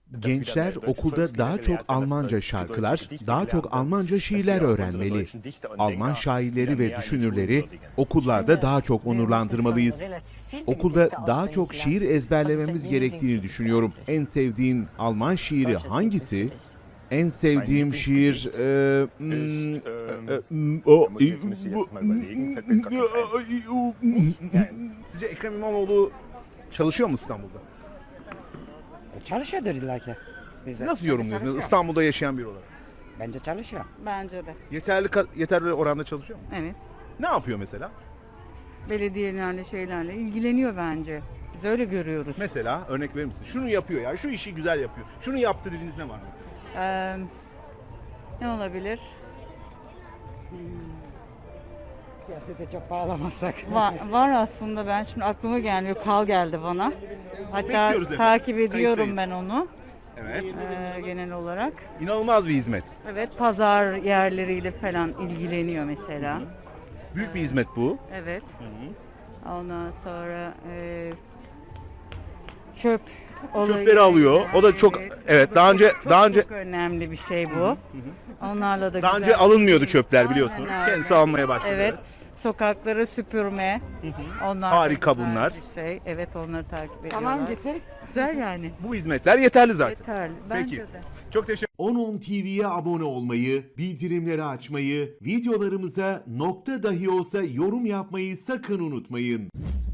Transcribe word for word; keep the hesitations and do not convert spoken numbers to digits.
Gençler okulda daha çok Almanca şarkılar, daha çok Almanca şiirler öğrenmeli. Alman şairleri ve düşünürleri okullarda daha çok onurlandırmalıyız. Okulda daha çok şiir ezberlememiz gerektiğini düşünüyorum. En sevdiğin Alman şiiri hangisi? En sevdiğim şiir... E, mm, e, mm, o- Sizce Ekrem İmamoğlu çalışıyor mu İstanbul'da? Çalışıyordur illa ki. Bizde. Nasıl Bence yorumluyorsunuz çalışıyor. İstanbul'da yaşayan biri olarak? Bence çalışıyor. Bence de. Yeterli ka- yeterli oranda çalışıyor mu? Evet. Ne yapıyor mesela? Belediyelerle şeylerle ilgileniyor bence. Biz öyle görüyoruz. Mesela örnek verir misin? Şunu yapıyor ya, şu işi güzel yapıyor. Şunu yaptı dediğiniz ne var mesela? Ee, ne olabilir? Siyasete çok bağlamazsak. Var, var aslında, ben şimdi aklıma gelmiyor. Kal geldi bana. Hatta Bekliyoruz efendim. takip ediyorum Kayıttayız. ben onu Evet. ee, genel olarak. İnanılmaz bir hizmet. Evet, pazar yerleriyle falan ilgileniyor mesela. Büyük bir hizmet bu. Evet. Ondan sonra e, çöp olayı. Çöpleri alıyor. O da çok evet, o da daha çok- önce çok, daha önce çok önemli bir şey bu. Onlarla da daha güzel. önce alınmıyordu çöpler, biliyorsunuz. Aynen öyle. Kendisi almaya başladı. Evet. Sokakları süpürme. Onlar Harika da güzel bunlar. bir şey. Evet, onları takip ediyorlar. Tamam getir. Güzel yani. Bu hizmetler yeterli zaten. Yeterli. Bence Peki. de. Çok teşekkür on on T V'ye abone olmayı, bildirimleri açmayı, videolarımıza nokta dahi olsa yorum yapmayı sakın unutmayın.